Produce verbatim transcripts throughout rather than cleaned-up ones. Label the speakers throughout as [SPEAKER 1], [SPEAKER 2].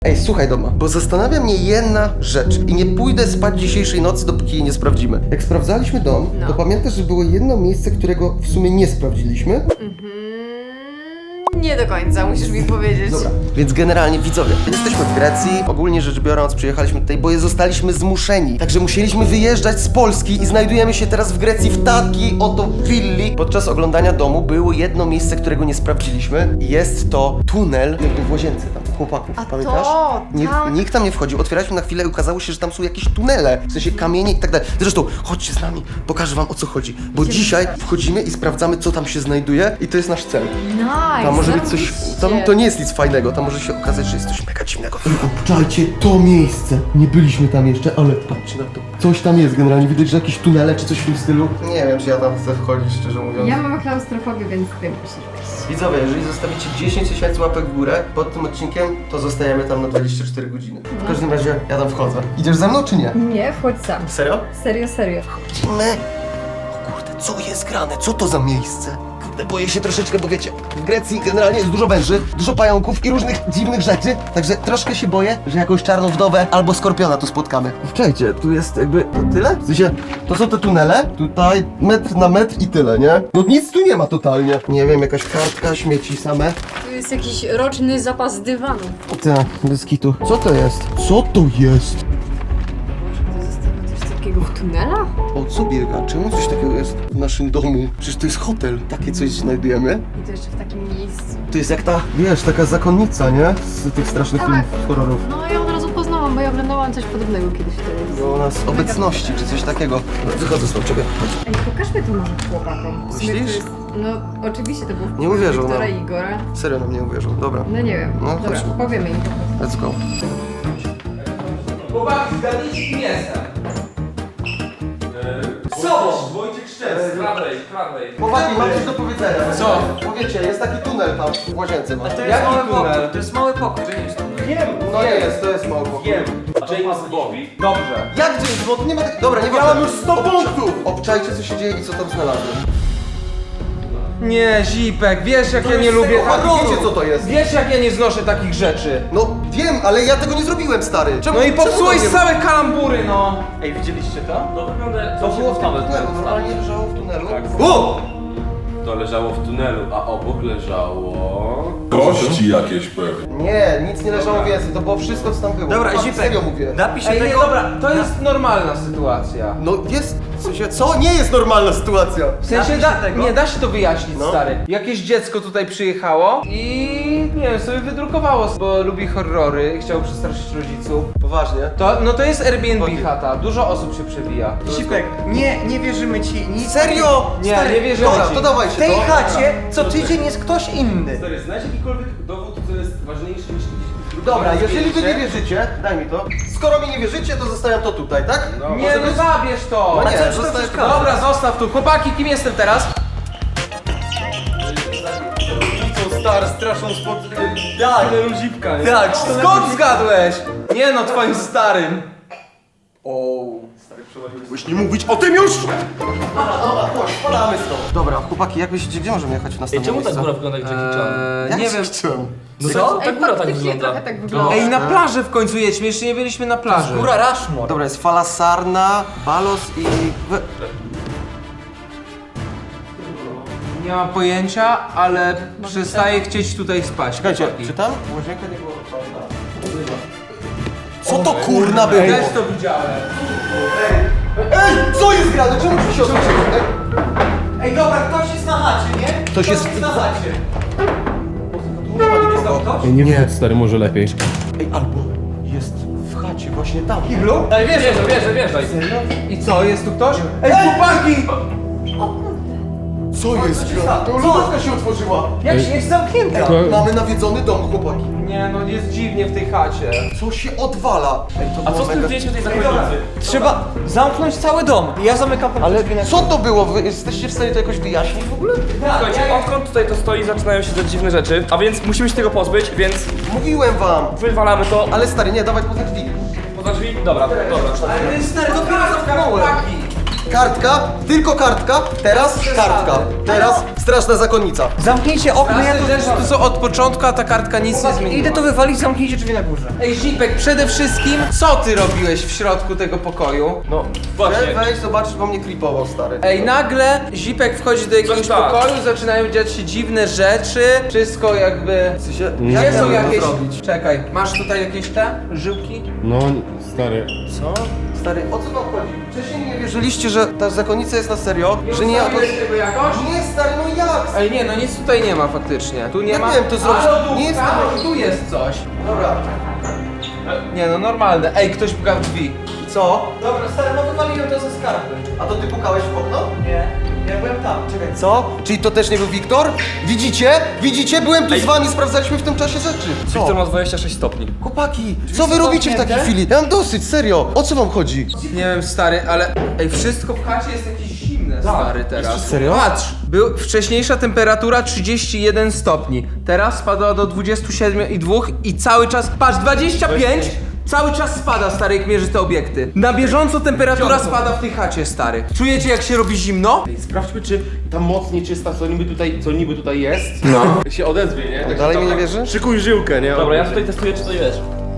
[SPEAKER 1] Ej, słuchaj Doma, bo zastanawia mnie jedna rzecz i nie pójdę spać dzisiejszej nocy, dopóki jej nie sprawdzimy. Jak sprawdzaliśmy dom,
[SPEAKER 2] No.
[SPEAKER 1] to pamiętasz, że było jedno miejsce, którego w sumie nie sprawdziliśmy?
[SPEAKER 2] Mhm. Nie do końca, musisz mi powiedzieć.
[SPEAKER 1] Dobra, więc generalnie widzowie, jesteśmy w Grecji, ogólnie rzecz biorąc przyjechaliśmy tutaj, bo zostaliśmy zmuszeni. Także musieliśmy wyjeżdżać z Polski i znajdujemy się teraz w Grecji w takiej oto willi. Podczas oglądania domu było jedno miejsce, którego nie sprawdziliśmy. Jest to tunel jakby w łazience tam chłopaków,
[SPEAKER 2] A
[SPEAKER 1] pamiętasz?
[SPEAKER 2] to,
[SPEAKER 1] Nie,
[SPEAKER 2] tak.
[SPEAKER 1] Nikt tam nie wchodził, otwieraliśmy na chwilę i okazało się, że tam są jakieś tunele, w sensie kamienie i tak dalej. Zresztą, chodźcie z nami, pokażę wam o co chodzi, bo dzisiaj wchodzimy i sprawdzamy, co tam się znajduje i to jest nasz cel.
[SPEAKER 2] Nice,
[SPEAKER 1] Tam może być coś,
[SPEAKER 2] zarobiście.
[SPEAKER 1] tam to nie jest nic fajnego, tam może się okazać, że jest coś mega dziwnego. Obczajcie to miejsce, nie byliśmy tam jeszcze, ale patrzcie na to. Coś tam jest generalnie, widać, że jakieś tunele czy coś w tym stylu. Nie wiem, czy ja tam chcę wchodzić, szczerze mówiąc.
[SPEAKER 2] Ja mam klaustrofobię, więc ty musisz wejść.
[SPEAKER 1] Widzowie, jeżeli zostawicie dziesięć tysięcy łapek w górę pod tym odcinkiem, to zostajemy tam na dwadzieścia cztery godziny. W każdym razie ja tam wchodzę. Idziesz ze mną czy nie?
[SPEAKER 2] Nie, wchodź sam.
[SPEAKER 1] Serio?
[SPEAKER 2] Serio, serio.
[SPEAKER 1] Idziemy. O kurde, co jest grane? Co to za miejsce? Kurde, boję się troszeczkę, bo wiecie, w Grecji generalnie jest dużo węży, dużo pająków i różnych dziwnych rzeczy, także troszkę się boję, że jakąś czarną wdowę albo skorpiona tu spotkamy. Wczejcie, tu jest jakby to tyle? W sensie, to są te tunele, tutaj metr na metr i tyle, nie? No nic tu nie ma totalnie. Nie wiem, jakaś kartka, śmieci same.
[SPEAKER 2] Tu jest jakiś roczny zapas dywanu.
[SPEAKER 1] Tak, bez kitu. Co to jest? Co to jest?
[SPEAKER 2] To zostało coś takiego w tunelach?
[SPEAKER 1] O co biega? Czemu coś takiego jest w naszym domu? Przecież to jest hotel. Takie coś znajdujemy.
[SPEAKER 2] I to jeszcze w takim miejscu.
[SPEAKER 1] To jest jak ta, wiesz, taka zakonnica, nie? Z tych strasznych
[SPEAKER 2] Tak.
[SPEAKER 1] filmów horrorów.
[SPEAKER 2] No ja od razu poznałam, bo ja oglądałam coś podobnego kiedyś w telewizji.
[SPEAKER 1] No, nas obecności, czy coś takiego. Wychodzę stąd, czekaj.
[SPEAKER 2] Ej, pokażmy to może chłopakom. W sumie to
[SPEAKER 1] Myślisz?
[SPEAKER 2] jest- No oczywiście to był
[SPEAKER 1] Nie uwierzą,
[SPEAKER 2] Wiktora
[SPEAKER 1] no.
[SPEAKER 2] i Igora.
[SPEAKER 1] Serio nam nie uwierzą. Dobra,
[SPEAKER 2] No nie wiem.
[SPEAKER 1] No,
[SPEAKER 2] Dobra,
[SPEAKER 1] chodźmy.
[SPEAKER 2] powiemy im.
[SPEAKER 1] let's go.
[SPEAKER 3] Chłopaki, zgadnijcie, kim jestem.
[SPEAKER 4] Sobą! Wojciech Szczec, z prawej, z prawej.
[SPEAKER 1] Chłopaki, mam coś do powiedzenia.
[SPEAKER 3] Co?
[SPEAKER 1] Powiecie, jest taki tunel tam w łazience. Ma.
[SPEAKER 3] Jaki tunel?
[SPEAKER 4] To jest mały pokój, to nie jest tunel.
[SPEAKER 3] Wiem,
[SPEAKER 1] No nie jest, to jest mało pokój.
[SPEAKER 3] wiem.
[SPEAKER 4] James Bond.
[SPEAKER 3] Dobrze.
[SPEAKER 1] Jak James Bond? Nie ma tak... Dobra, nie
[SPEAKER 3] Ja mam już sto punktów!
[SPEAKER 1] Obczajcie, co się dzieje i co tam znalazłem.
[SPEAKER 3] Nie, Zipek, wiesz jak
[SPEAKER 1] To
[SPEAKER 3] ja nie
[SPEAKER 1] jest
[SPEAKER 3] lubię
[SPEAKER 1] tego
[SPEAKER 3] takich...
[SPEAKER 1] horroru. Wiecie, co to jest?
[SPEAKER 3] Wiesz jak ja nie znoszę takich rzeczy.
[SPEAKER 1] No wiem, ale ja tego nie zrobiłem, stary. Czemu,
[SPEAKER 3] No i
[SPEAKER 1] czemu
[SPEAKER 3] popsułeś
[SPEAKER 1] to nie-
[SPEAKER 3] całe kalambury, no.
[SPEAKER 4] Ej, widzieliście to? To wygląda...
[SPEAKER 1] To było w tym
[SPEAKER 4] tunelu.
[SPEAKER 1] tunelu, normalnie leżało w tunelu.
[SPEAKER 4] Tak.
[SPEAKER 1] O!
[SPEAKER 4] To leżało w tunelu, a obok leżało...
[SPEAKER 5] Kości jakieś pewnie.
[SPEAKER 1] Nie, nic nie leżało więcej, to było wszystko, co tam było.
[SPEAKER 6] Dobra,
[SPEAKER 1] Chłopaki,
[SPEAKER 6] Zipek,
[SPEAKER 1] serio mówię.
[SPEAKER 6] napisz
[SPEAKER 3] Ej, nie,
[SPEAKER 6] tego...
[SPEAKER 3] dobra, to jest normalna sytuacja.
[SPEAKER 1] No jest, w sensie, co? Nie jest normalna sytuacja.
[SPEAKER 3] W sensie,
[SPEAKER 6] Napisz
[SPEAKER 3] da,
[SPEAKER 6] tego.
[SPEAKER 3] nie da się to wyjaśnić,
[SPEAKER 1] No.
[SPEAKER 3] stary. Jakieś dziecko tutaj przyjechało i nie wiem, sobie wydrukowało, bo lubi horrory i chciało przestraszyć rodziców.
[SPEAKER 1] Poważnie.
[SPEAKER 3] To, no to jest Airbnb
[SPEAKER 1] Chodzi.
[SPEAKER 3] chata, dużo osób się przewija.
[SPEAKER 6] Zipek, nie, nie wierzymy ci nic.
[SPEAKER 1] Serio?
[SPEAKER 3] Nie,
[SPEAKER 6] Stary,
[SPEAKER 3] nie wierzymy
[SPEAKER 1] Dobra,
[SPEAKER 3] ci.
[SPEAKER 1] to dawajcie
[SPEAKER 6] W tej
[SPEAKER 1] to.
[SPEAKER 6] chacie co tydzień jest ktoś inny.
[SPEAKER 4] Stary, znajdź jakikolwiek dowód, co jest ważniejszy niż jakiś...
[SPEAKER 1] Dobra, jeżeli wy nie wierzycie, daj mi to. Skoro mi nie wierzycie, to zostawiam to tutaj, tak?
[SPEAKER 3] Nie,
[SPEAKER 1] Może
[SPEAKER 3] no
[SPEAKER 1] być?
[SPEAKER 3] zabierz to!
[SPEAKER 1] No
[SPEAKER 6] A
[SPEAKER 1] nie,
[SPEAKER 6] co ci to
[SPEAKER 1] zostawiam
[SPEAKER 6] przeszkadza?
[SPEAKER 3] Dobra, zostaw tu. Chłopaki, kim jestem teraz?
[SPEAKER 4] Są stary, straszą spod...
[SPEAKER 6] Tak,
[SPEAKER 4] tunelu Zipka, nie?
[SPEAKER 6] tak.
[SPEAKER 3] Skąd zgadłeś? Nie no, twoim starym.
[SPEAKER 1] Byś nie mówić o tym już! Dobra, dobra, chodź, spadamy stąd. Dobra, chłopaki, jak myślicie, gdzie możemy jechać w
[SPEAKER 4] Ej,
[SPEAKER 1] następne
[SPEAKER 4] czemu ta
[SPEAKER 1] miejsce?
[SPEAKER 4] góra wygląda jak Jackie Chan?
[SPEAKER 1] Jak
[SPEAKER 6] nie wiem.
[SPEAKER 1] chciałem?
[SPEAKER 4] No
[SPEAKER 1] Co?
[SPEAKER 4] co? Ta
[SPEAKER 2] Ej,
[SPEAKER 4] góra tak
[SPEAKER 2] faktycznie
[SPEAKER 4] wygląda.
[SPEAKER 2] trochę tak wygląda.
[SPEAKER 3] Ej, na plażę w końcu jedźmy, jeszcze nie byliśmy na plaży.
[SPEAKER 6] Góra Rushmore.
[SPEAKER 1] Dobra, jest fala Sarna, Balos i... we-
[SPEAKER 3] Nie mam pojęcia, ale przestaję chcieć tutaj spać.
[SPEAKER 1] Czekajcie,
[SPEAKER 3] chłopaki.
[SPEAKER 1] czy tam łazienka nie była otwarta? Co to kurna było?
[SPEAKER 3] Też to widziałem.
[SPEAKER 1] Ej, co jest grane? Czemu tu się otworzyło? Ej,
[SPEAKER 6] Ej, dobra, ktoś jest na chacie, nie?
[SPEAKER 1] Ktoś jest-
[SPEAKER 6] na chacie.
[SPEAKER 1] nie, nie.
[SPEAKER 4] Stary, może lepiej.
[SPEAKER 1] Ej, albo jest w chacie, właśnie tam.
[SPEAKER 3] Kiblu?
[SPEAKER 4] Daj, wjeżdżaj, wjeżdżaj, wjeżdżaj.
[SPEAKER 3] I co, jest tu ktoś? Ej, chłopaki!
[SPEAKER 1] Co jest grane? To lodówka się otworzyła.
[SPEAKER 6] Jak się jest zamknięta?
[SPEAKER 1] Mamy nawiedzony dom, chłopaki.
[SPEAKER 3] Nie no, jest dziwnie w tej chacie.
[SPEAKER 1] Co się odwala? Ej, to
[SPEAKER 4] A
[SPEAKER 1] było
[SPEAKER 4] co z tym
[SPEAKER 1] mega-
[SPEAKER 4] zdjęciem tej
[SPEAKER 6] Dobra,
[SPEAKER 4] zakonnicy?
[SPEAKER 6] trzeba zamknąć cały dom. I ja zamykam ten
[SPEAKER 1] Ale
[SPEAKER 6] drzwi na
[SPEAKER 1] co to było? Wy jesteście w stanie to jakoś wyjaśnić w ogóle?
[SPEAKER 4] Słuchajcie, odkąd tutaj to stoi, zaczynają się te dziwne rzeczy, a więc musimy się tego pozbyć, więc
[SPEAKER 1] Mówiłem wam.
[SPEAKER 4] wywalamy to.
[SPEAKER 1] Ale stary, nie, dawaj poza drzwi.
[SPEAKER 4] Poza drzwi? Dobra, dobra.
[SPEAKER 6] Ale ten stary dopiero zamknąłem.
[SPEAKER 3] Chłopaki!
[SPEAKER 1] kartka, tylko kartka, teraz kartka, teraz straszna zakonnica.
[SPEAKER 6] Zamknijcie okno, ja
[SPEAKER 3] Te
[SPEAKER 6] to
[SPEAKER 3] rzeczy tu są od początku, a ta kartka nic nie zmieniła.
[SPEAKER 6] Idę to wywalić, zamknijcie drzwi na górze.
[SPEAKER 3] Ej, Zipek, przede wszystkim, co ty robiłeś w środku tego pokoju?
[SPEAKER 4] No, właśnie.
[SPEAKER 1] Weź, zobaczysz, bo mnie klipował, stary.
[SPEAKER 3] Ej, nagle Zipek wchodzi do jakiegoś
[SPEAKER 4] Coś tak.
[SPEAKER 3] pokoju, zaczynają dziać się dziwne rzeczy, wszystko jakby...
[SPEAKER 1] W sensie,
[SPEAKER 3] Gdzie
[SPEAKER 1] jak
[SPEAKER 3] są
[SPEAKER 1] ja mam to
[SPEAKER 3] jakieś...
[SPEAKER 1] zrobić?
[SPEAKER 3] Czekaj, masz tutaj jakieś te żyłki?
[SPEAKER 5] No, stary.
[SPEAKER 1] Co? Stary, o co wam chodzi? Wcześniej nie wierzyliście, że ta zakonnica jest na serio? Że nie jakoś...
[SPEAKER 3] ustawiłeś tego jakoś?
[SPEAKER 1] Nie, stary, no jak?
[SPEAKER 3] Ej, nie, no nic tutaj nie ma faktycznie. Tu nie
[SPEAKER 1] Ja
[SPEAKER 3] ma...
[SPEAKER 1] wiem, to zrobić-
[SPEAKER 3] A, lodówka,
[SPEAKER 1] nie jest to-
[SPEAKER 3] tu jest coś.
[SPEAKER 1] Dobra.
[SPEAKER 3] Nie no, normalne. Ej, ktoś puka w drzwi.
[SPEAKER 1] Co?
[SPEAKER 6] Dobra, stary, no wywaliłem to ze skarby.
[SPEAKER 1] A to ty pukałeś w okno?
[SPEAKER 6] Nie, ja byłem tam, czekaj.
[SPEAKER 1] Co? Czyli to też nie był Wiktor? Widzicie? Widzicie? Byłem tu z wami, sprawdzaliśmy w tym czasie rzeczy.
[SPEAKER 4] Wiktor ma dwadzieścia sześć stopni.
[SPEAKER 1] Chłopaki, co wy
[SPEAKER 6] są
[SPEAKER 1] robicie w takiej
[SPEAKER 6] zamknięte?
[SPEAKER 1] chwili? Ja mam dosyć, serio. O co wam chodzi?
[SPEAKER 3] Nie wiem, stary, ale... Ej, wszystko w chacie jest jakieś zimne, stary, teraz.
[SPEAKER 1] serio?
[SPEAKER 3] Patrz, był wcześniejsza temperatura trzydzieści jeden stopni. Teraz spadła do dwudziestu siedmiu i dwóch i cały czas... Patrz, dwadzieścia pięć! Cały czas spada, stary, jak mierzy te obiekty. Na bieżąco temperatura spada w tej chacie, stary. Czujecie, jak się robi zimno?
[SPEAKER 5] Sprawdźmy, czy ta moc nieczysta, co niby tutaj, co niby tutaj jest, no. się odezwie, nie? Tak,
[SPEAKER 1] Dalej mi nie wierzysz?
[SPEAKER 5] Szykuj żyłkę, nie?
[SPEAKER 4] Dobra, ja tutaj testuję, czy to jest.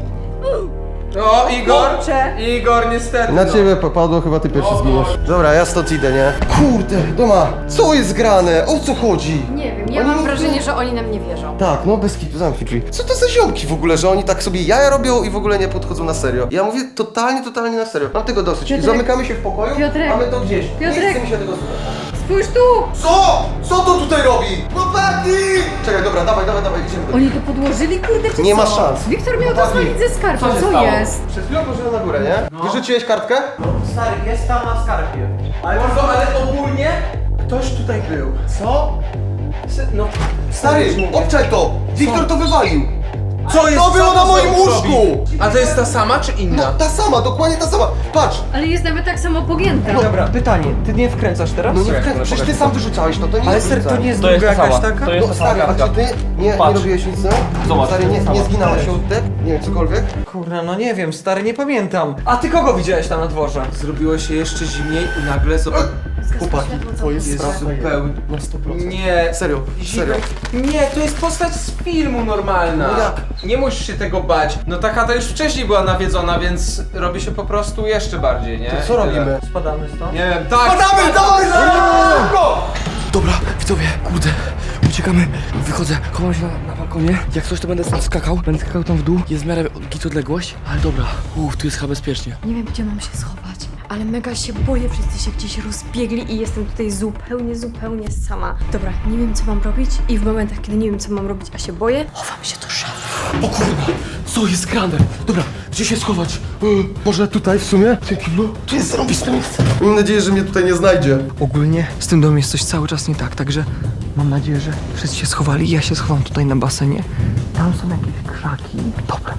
[SPEAKER 3] O, Igor!
[SPEAKER 2] Kurczę.
[SPEAKER 3] Igor, niestety.
[SPEAKER 1] Na
[SPEAKER 3] no.
[SPEAKER 1] ciebie popadło, chyba ty pierwszy zginiesz. Dobra, ja stąd idę, nie? Kurde, Doma, co jest grane? O co chodzi?
[SPEAKER 2] Nie wiem, ja
[SPEAKER 1] Oni
[SPEAKER 2] mam
[SPEAKER 1] nie-
[SPEAKER 2] wrażenie, że oni nam nie wierzą.
[SPEAKER 1] Tak, no bez kitu, zamknij drzwi. Co to za ziomki w ogóle, że oni tak sobie jaja robią i w ogóle nie podchodzą na serio? Ja mówię totalnie, totalnie na serio. Mam tego dosyć.
[SPEAKER 2] Piotrek.
[SPEAKER 1] Zamykamy się w pokoju,
[SPEAKER 2] Piotrek.
[SPEAKER 1] mamy to gdzieś. Nie
[SPEAKER 2] Piotrek.
[SPEAKER 1] chce mi się tego słuchać.
[SPEAKER 2] Spójrz tu!
[SPEAKER 1] Co? Co to tutaj robi? No Patty! Czekaj, dobra, dawaj, dawaj, dawaj, idziemy do...
[SPEAKER 2] Oni to podłożyli, kurde, czy
[SPEAKER 1] Nie
[SPEAKER 2] co?
[SPEAKER 1] ma szans.
[SPEAKER 2] Wiktor miał to
[SPEAKER 1] Chłopaki,
[SPEAKER 2] zwalić ze skarbu,
[SPEAKER 1] co się
[SPEAKER 2] co
[SPEAKER 1] stało?
[SPEAKER 2] jest?
[SPEAKER 1] Przed chwilą poszedłem na górę, nie? Wyrzuciłeś kartkę?
[SPEAKER 6] Stary, jest tam na skarbie.
[SPEAKER 3] Ale, Mordo, ale ogólnie ktoś tutaj był.
[SPEAKER 1] Co?
[SPEAKER 3] Se- No,
[SPEAKER 1] Stary, obczaj to! Wiktor to wywalił!
[SPEAKER 3] co jest?
[SPEAKER 1] To
[SPEAKER 3] co
[SPEAKER 1] było na
[SPEAKER 3] to
[SPEAKER 1] moim
[SPEAKER 3] zrobi?
[SPEAKER 1] łóżku!
[SPEAKER 3] A to jest ta sama czy
[SPEAKER 1] No,
[SPEAKER 3] inna?
[SPEAKER 1] ta sama, dokładnie ta sama. Patrz!
[SPEAKER 2] Ale jest nawet tak samo pogięta.
[SPEAKER 6] Dobra, pytanie, ty nie wkręcasz teraz?
[SPEAKER 1] No nie wkręcaj, przecież ty sam wyrzucałeś to, to nie
[SPEAKER 6] Ale
[SPEAKER 1] jest
[SPEAKER 6] ser, to nie jest
[SPEAKER 4] To jest
[SPEAKER 6] druga
[SPEAKER 4] ta
[SPEAKER 6] jakaś
[SPEAKER 4] sama.
[SPEAKER 6] taka?
[SPEAKER 4] To jest
[SPEAKER 1] No
[SPEAKER 4] ta sama
[SPEAKER 1] stary, a
[SPEAKER 4] kartka.
[SPEAKER 1] czy ty nie, nie
[SPEAKER 4] Patrz.
[SPEAKER 1] robiłeś nic, no?
[SPEAKER 4] Zobacz,
[SPEAKER 1] Stary, nie,
[SPEAKER 4] sama.
[SPEAKER 1] nie zginałeś się łódek? Nie wiem, cokolwiek?
[SPEAKER 6] Kurna, no nie wiem, stary, nie pamiętam. A ty kogo widziałeś tam na dworze?
[SPEAKER 3] Zrobiło się jeszcze zimniej i nagle zobacz.
[SPEAKER 1] Chłopaki, to jest
[SPEAKER 3] Jest
[SPEAKER 1] straszne.
[SPEAKER 3] zupełnie.
[SPEAKER 1] Na sto procent.
[SPEAKER 3] Nie.
[SPEAKER 1] Serio, serio.
[SPEAKER 3] Zipek. Nie, to jest postać z filmu normalna.
[SPEAKER 1] No jak?
[SPEAKER 3] Nie musisz się tego bać. No ta chata już wcześniej była nawiedzona, więc robi się po prostu jeszcze bardziej, nie?
[SPEAKER 1] To co robimy?
[SPEAKER 6] Spadamy stąd?
[SPEAKER 3] Nie wiem, tak.
[SPEAKER 1] Padamy, dawaj, szybko!
[SPEAKER 7] Dobra, widzowie, kurde, uciekamy. Wychodzę, chowam się na, na balkonie. Jak coś, to będę tam skakał. Będę skakał tam w dół. Jest w miarę git odległość, ale dobra. Uff, tu jest chyba bezpiecznie.
[SPEAKER 2] Nie wiem, gdzie mam się schować, ale mega się boję, wszyscy się gdzieś rozbiegli i jestem tutaj zupełnie, zupełnie sama. Dobra, nie wiem, co mam robić i w momentach, kiedy nie wiem, co mam robić, a się boję, chowam się do szafy.
[SPEAKER 1] O kurwa, co jest grane? Dobra, gdzie się schować? E, może tutaj w sumie? W tym kiblu? Tu jest zarąbiste miejsce. Mam nadzieję, że mnie tutaj nie znajdzie.
[SPEAKER 7] Ogólnie z tym domem jest coś cały czas nie tak, także mam nadzieję, że wszyscy się schowali. Ja się schowam tutaj na basenie. Tam są jakieś krzaki. Dobra,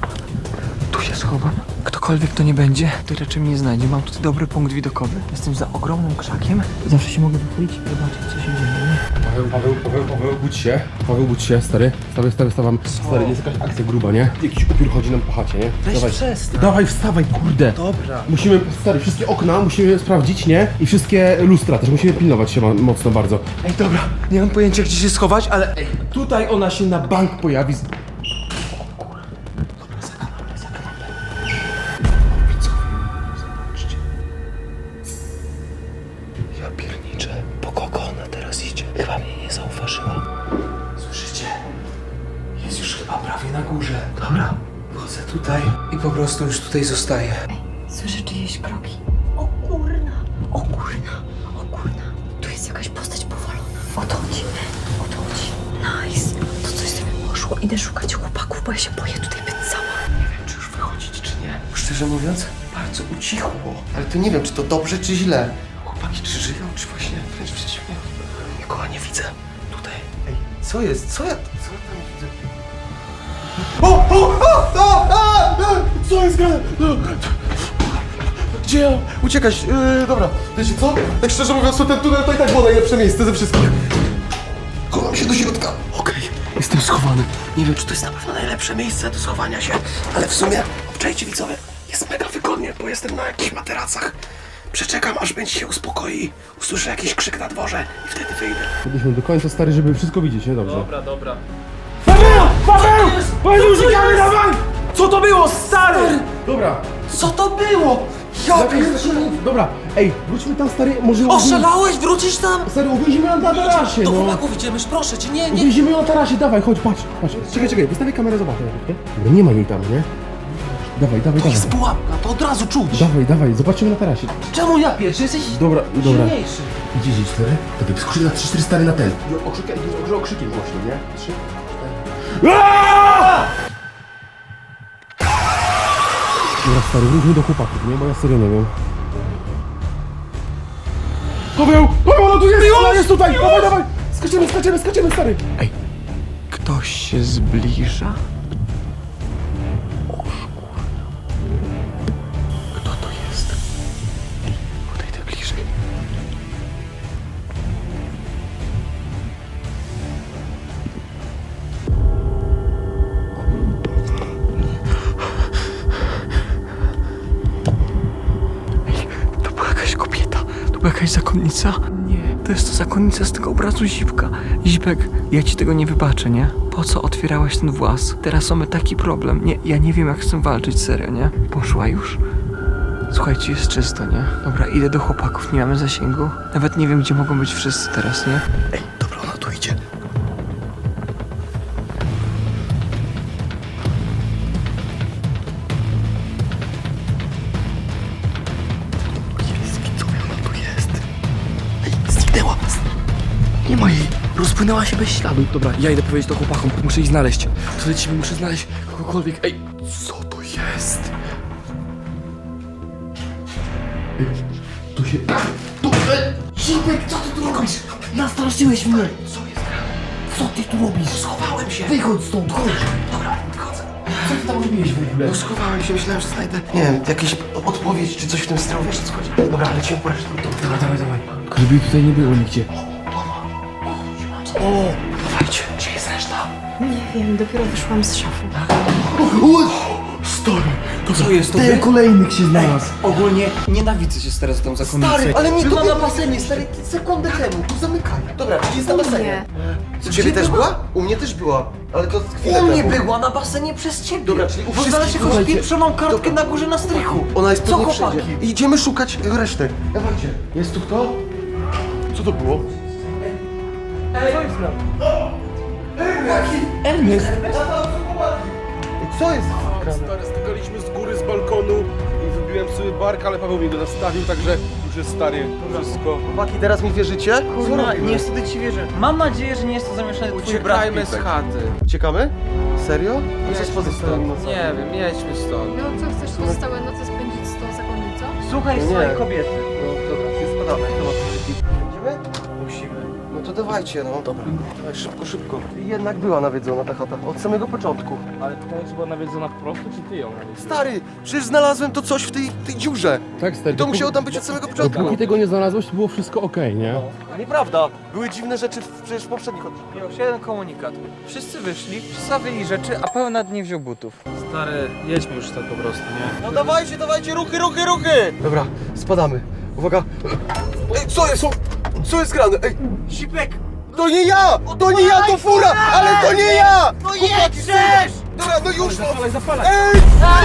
[SPEAKER 7] tu się schowam. Ktokolwiek to nie będzie, to raczej mnie nie znajdzie. Mam tutaj dobry punkt widokowy. Jestem za ogromnym krzakiem. Zawsze się mogę wychylić i zobaczyć, co się dzieje. Nie?
[SPEAKER 5] Paweł, Paweł, Paweł, Paweł, budź się. Paweł, budź się, stary. Stary, stary, stawam. Stary, jest jakaś akcja gruba, nie? Jakiś upiór chodzi nam po chacie, nie?
[SPEAKER 6] Weź
[SPEAKER 5] Dawaj.
[SPEAKER 6] przestań.
[SPEAKER 5] Dawaj, wstawaj, kurde.
[SPEAKER 6] Dobra.
[SPEAKER 5] Musimy, stary, wszystkie okna musimy sprawdzić, nie? I wszystkie lustra też musimy pilnować się ma- mocno bardzo.
[SPEAKER 3] Ej, dobra, nie mam pojęcia, gdzie się schować, ale ej,
[SPEAKER 5] Tutaj ona się na bank pojawi. z-
[SPEAKER 7] Ja pierniczę. Po kogo ona teraz idzie? Chyba mnie nie zauważyła.
[SPEAKER 3] słyszycie? Jest już chyba prawie na górze. Dobra, wchodzę tutaj i po prostu już tutaj zostaję.
[SPEAKER 2] Słyszę czyjeś kroki. O kurna, o kurna, o kurna. Tu jest jakaś postać powalona. O to chodzi, o to chodzi. Nice. To coś sobie poszło. Idę szukać chłopaków, bo ja się boję tutaj być sama.
[SPEAKER 1] Nie wiem, czy już wychodzić, czy nie. Szczerze mówiąc, bardzo ucichło. Ale to nie wiem, czy to dobrze, czy źle. Chłopaki, czy żyją, czy właśnie wręcz przeciwnie. Nikogo nie widzę. Tutaj. Ej, co jest? Co ja, co ja tam widzę? O, o, o, o, a, a, co jest grane? Gdzie ja? Uciekać, yy, dobra. Wiecie co? Tak szczerze mówiąc, to ten tunel to i tak było najlepsze miejsce ze wszystkich. Chowam się do środka. Okej, jestem schowany. Nie wiem, czy to jest na pewno najlepsze miejsce do schowania się, ale w sumie, obczajcie widzowie, jest mega wygodnie, bo jestem na jakichś materacach.
[SPEAKER 5] Przeczekam, aż będzie się uspokoi. Usłyszę jakiś krzyk na dworze i wtedy wyjdę. Byliśmy do końca, stary, żeby wszystko widzieć, nie? Dobrze.
[SPEAKER 4] Dobra, dobra.
[SPEAKER 5] Uciekamy, dawaj!
[SPEAKER 6] Co to było, stary?
[SPEAKER 5] Dobra.
[SPEAKER 6] Co to było? Ja
[SPEAKER 5] Dobra, ej, wróćmy tam, stary, może...
[SPEAKER 6] Oszalałeś? Wrócisz tam?
[SPEAKER 5] Stary, uwięzimy ją na tarasie,
[SPEAKER 6] Do
[SPEAKER 5] no.
[SPEAKER 6] chłopaków idziemy, proszę cię, nie, nie.
[SPEAKER 5] Uwięzimy ją na tarasie, dawaj, chodź, patrz, patrz. Czekaj, czekaj, wystawię kamerę, zobaczę, nie? Dobra, nie ma jej tam, nie? Dawaj, dawaj,
[SPEAKER 1] To
[SPEAKER 5] dawaj.
[SPEAKER 1] jest pułapka, to od razu czuć.
[SPEAKER 5] Dawaj, dawaj, zobaczymy na tarasie.
[SPEAKER 6] Czemu ja pierwszy? Jesteś
[SPEAKER 5] Dobra, dobra.
[SPEAKER 6] silniejszy.
[SPEAKER 5] Idzie, idzie, stary. To by skrzyk na trzy cztery stary na ten. I okrzykiem, może okrzykiem głośno, nie? Trzy, cztery. Dobra, stary, wróćmy do chłopaków, nie? Bo ja serio nie wiem. Paweł! Paweł, no tu jest! Ona jest tutaj! Dawaj, dawaj! Skaczemy, skaczemy, skaczemy, stary!
[SPEAKER 7] Ej, ktoś się zbliża? Kto to jest? Podejdę bliżej. Ej, to była jakaś kobieta. To była jakaś zakonnica. Nie, to jest to zakonnica z tego obrazu Zipka. Zipek, ja ci tego nie wybaczę, nie? Po co otwierałeś ten włas? Teraz mamy taki problem. Nie, ja nie wiem jak z tym walczyć, serio, nie? Poszła już? Słuchajcie, jest czysto, nie? Dobra, idę do chłopaków, nie mamy zasięgu. Nawet nie wiem, gdzie mogą być wszyscy teraz, nie?
[SPEAKER 1] Ej, dobra, ona tu idzie. Jest, widzowie, ona tu jest. Ej, zniknęła. Nie ma jej. Rozpłynęła się bez śladu.
[SPEAKER 6] Dobra, ja idę powiedzieć to chłopakom, muszę ich znaleźć. To lecimy, muszę znaleźć kogokolwiek. Ej,
[SPEAKER 5] Co to jest? Ej, tu się... Tu...
[SPEAKER 1] Zipek, co ty tu robisz? Nastraszyłeś mnie. Co jest? Co ty tu robisz? Schowałem się. Wychodź stąd, chodź. Dobra, wychodzę.
[SPEAKER 5] Co ty tam robiłeś w ogóle?
[SPEAKER 1] No schowałem się, myślałem, że znajdę, nie wiem, jakieś odpowiedź czy coś w tym stylu, wiesz o co chodzi. Dobra, lecimy po resztę.
[SPEAKER 5] Dawaj, dawaj, dawaj. Tylko żeby jej tutaj nie było nigdzie.
[SPEAKER 1] O, dawajcie, gdzie jest reszta?
[SPEAKER 2] Nie wiem, dopiero wyszłam z szafy.
[SPEAKER 5] Stary, to
[SPEAKER 6] co jest to?
[SPEAKER 5] Ten kolejnych się znalazł.
[SPEAKER 6] Ogólnie nienawidzę się teraz tą zakonnicą.
[SPEAKER 1] Stary, ale nie
[SPEAKER 6] Była
[SPEAKER 1] to
[SPEAKER 6] na
[SPEAKER 1] na basenie, stary, sekundę temu, tu zamykaj. Dobra, czyli jest na basenie. U ciebie też była? U mnie też była, ale to chwilę
[SPEAKER 6] U mnie
[SPEAKER 1] temu.
[SPEAKER 6] była na basenie przez ciebie.
[SPEAKER 1] Dobra, czyli u
[SPEAKER 6] Bo
[SPEAKER 1] wszystkich,
[SPEAKER 6] znalazłeś jakąś
[SPEAKER 1] słuchajcie.
[SPEAKER 6] pieprzoną kartkę
[SPEAKER 1] Dobra.
[SPEAKER 6] na górze na strychu.
[SPEAKER 1] Ona jest
[SPEAKER 6] Co,
[SPEAKER 1] pewnie
[SPEAKER 6] chłopaki?
[SPEAKER 1] wszędzie. Idziemy szukać reszty. Dawajcie.
[SPEAKER 5] Jest tu kto? Co to było?
[SPEAKER 6] Ernest.
[SPEAKER 1] Co jest?
[SPEAKER 5] Stary, skakaliśmy z góry, z balkonu i wybiłem sobie bark, ale Paweł mnie go nastawił, także już jest stary, wszystko.
[SPEAKER 1] Chłopaki, teraz mi wierzycie? Co
[SPEAKER 6] Kurna,
[SPEAKER 1] robimy?
[SPEAKER 6] niestety ci wierzę. Mam nadzieję, że nie jest to zamieszany twój brat
[SPEAKER 3] Uciekajmy z
[SPEAKER 6] Pipek.
[SPEAKER 3] chaty.
[SPEAKER 1] Uciekamy? Serio? A co z pozostałymi
[SPEAKER 3] Nie
[SPEAKER 1] nocami?
[SPEAKER 3] wiem, jedźmy stąd.
[SPEAKER 8] No co, chcesz pozostałe noce spędzić z tą zakonnicą?
[SPEAKER 6] Słuchaj
[SPEAKER 1] Nie.
[SPEAKER 6] swojej kobiety.
[SPEAKER 1] No dobra, więc spadamy. Chyba Idziemy?
[SPEAKER 6] Musimy.
[SPEAKER 1] No to dawajcie, no. Dobra. Dawaj, szybko, szybko. Jednak była nawiedzona ta chata, od samego początku.
[SPEAKER 4] Ale pytanie, czy była nawiedzona po prostu, czy ty ją nawiedzono?
[SPEAKER 1] Stary, przecież znalazłem to coś w tej, tej dziurze.
[SPEAKER 5] Tak, stary.
[SPEAKER 1] To musiało tam być od samego początku.
[SPEAKER 5] Dopóki tego nie znalazłeś, to było wszystko okej, nie?
[SPEAKER 1] Nieprawda. Były dziwne rzeczy w, przecież w poprzednich odcinkach.
[SPEAKER 6] Już jeden komunikat. Wszyscy wyszli, przystawili rzeczy, a pełna nie wziął butów.
[SPEAKER 4] Stary, jedźmy już tak po prostu, nie?
[SPEAKER 1] No dawajcie, dawajcie, ruchy, ruchy, ruchy! Dobra, spadamy. Uwaga. Ej, co jest? Co jest grane? Ej,
[SPEAKER 6] Sipek!
[SPEAKER 1] to nie ja! To nie ja, to fura! Ale to nie ja! No jedźesz! Dobra, no już!
[SPEAKER 5] Zapalaj, zapalaj!
[SPEAKER 1] Ej!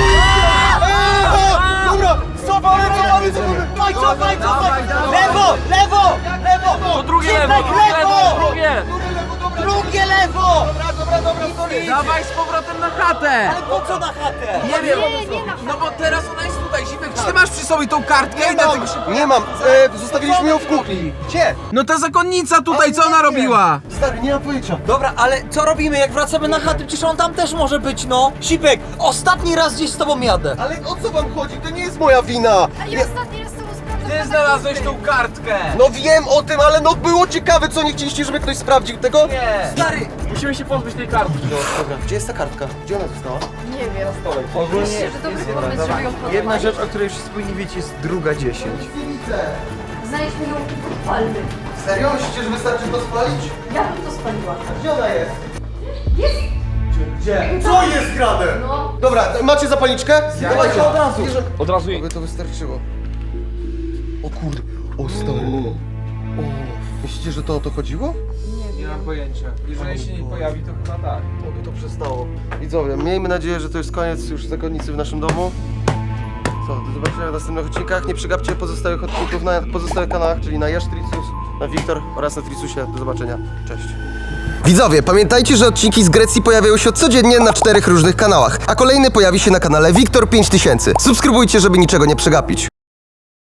[SPEAKER 1] Ej! Dobra, cofamy, cofamy, cofamy!
[SPEAKER 6] Cofaj, cofaj, cofaj! Lewo, lewo, lewo!
[SPEAKER 4] To drugie lewo, drugie lewo, drugie!
[SPEAKER 6] Drugie lewo!
[SPEAKER 1] Dobra, dobra, dobra, sorry!
[SPEAKER 3] Dawaj z powrotem na chatę!
[SPEAKER 6] Ale po co na chatę?
[SPEAKER 3] Nie wiem,
[SPEAKER 8] Nie, nie na
[SPEAKER 3] no bo teraz ona jest tutaj, Zipek, czy ty masz przy sobie tą kartkę?
[SPEAKER 1] Nie
[SPEAKER 3] I dlatego
[SPEAKER 1] mam,
[SPEAKER 3] się...
[SPEAKER 1] nie mam, e, zostawiliśmy ją w kuchni. Gdzie?
[SPEAKER 3] No ta zakonnica tutaj, co ona robiła?
[SPEAKER 1] Stary, nie mam pojęcia.
[SPEAKER 6] Dobra, ale co robimy, jak wracamy na chatę? Przecież on tam też może być, no! Sipek, ostatni raz gdzieś z tobą jadę!
[SPEAKER 1] Ale o co wam chodzi? To nie jest moja wina.
[SPEAKER 8] A ja
[SPEAKER 1] Nie,
[SPEAKER 8] ostatni raz z tobą sprawdzam.
[SPEAKER 3] Ty znalazłeś tą kartkę!
[SPEAKER 1] no wiem o tym, ale no było ciekawe, co nie chcieliście, żeby ktoś sprawdził tego?
[SPEAKER 3] Nie!
[SPEAKER 6] Stary!
[SPEAKER 4] Musimy się pozbyć tej kartki.
[SPEAKER 1] Dobra, gdzie jest ta kartka? Gdzie ona została?
[SPEAKER 8] Nie wiem.
[SPEAKER 6] Ogólnie
[SPEAKER 8] Myślę, że dobry pomysł, żeby ją podać.
[SPEAKER 6] jedna rzecz, o której wszyscy powinni wiedzieć, jest druga dziesięć.
[SPEAKER 1] Nie widzę.
[SPEAKER 8] Znajdźmy ją i podpalmy.
[SPEAKER 1] Serio? Myślicie, że wystarczy to spalić?
[SPEAKER 8] Ja bym to spaliła.
[SPEAKER 1] A gdzie ona jest?
[SPEAKER 8] Jest!
[SPEAKER 1] Gdzie? Co jest grane?
[SPEAKER 8] No.
[SPEAKER 1] Dobra, macie zapalniczkę? Dawajcie
[SPEAKER 6] od razu.
[SPEAKER 1] Bierzemy.
[SPEAKER 4] Od razu jej.
[SPEAKER 1] Aby to wystarczyło. O kurde, o stary. O, myślicie, że to o to chodziło?
[SPEAKER 3] Nie mam pojęcia. Jeżeli się nie pojawi, to chyba tak.
[SPEAKER 1] Oby to przestało. Widzowie, miejmy nadzieję, że to jest koniec już zakonnicy w naszym domu. Co, do zobaczenia w następnych odcinkach. Nie przegapcie pozostałych odcinków na pozostałych kanałach, czyli na Jasztricus, na Wiktor oraz na Tricusie. Do zobaczenia. Cześć. Widzowie, pamiętajcie, że odcinki z Grecji pojawiają się codziennie na czterech różnych kanałach, a kolejny pojawi się na kanale Wiktor pięć tysięcy. Subskrybujcie, żeby niczego nie przegapić.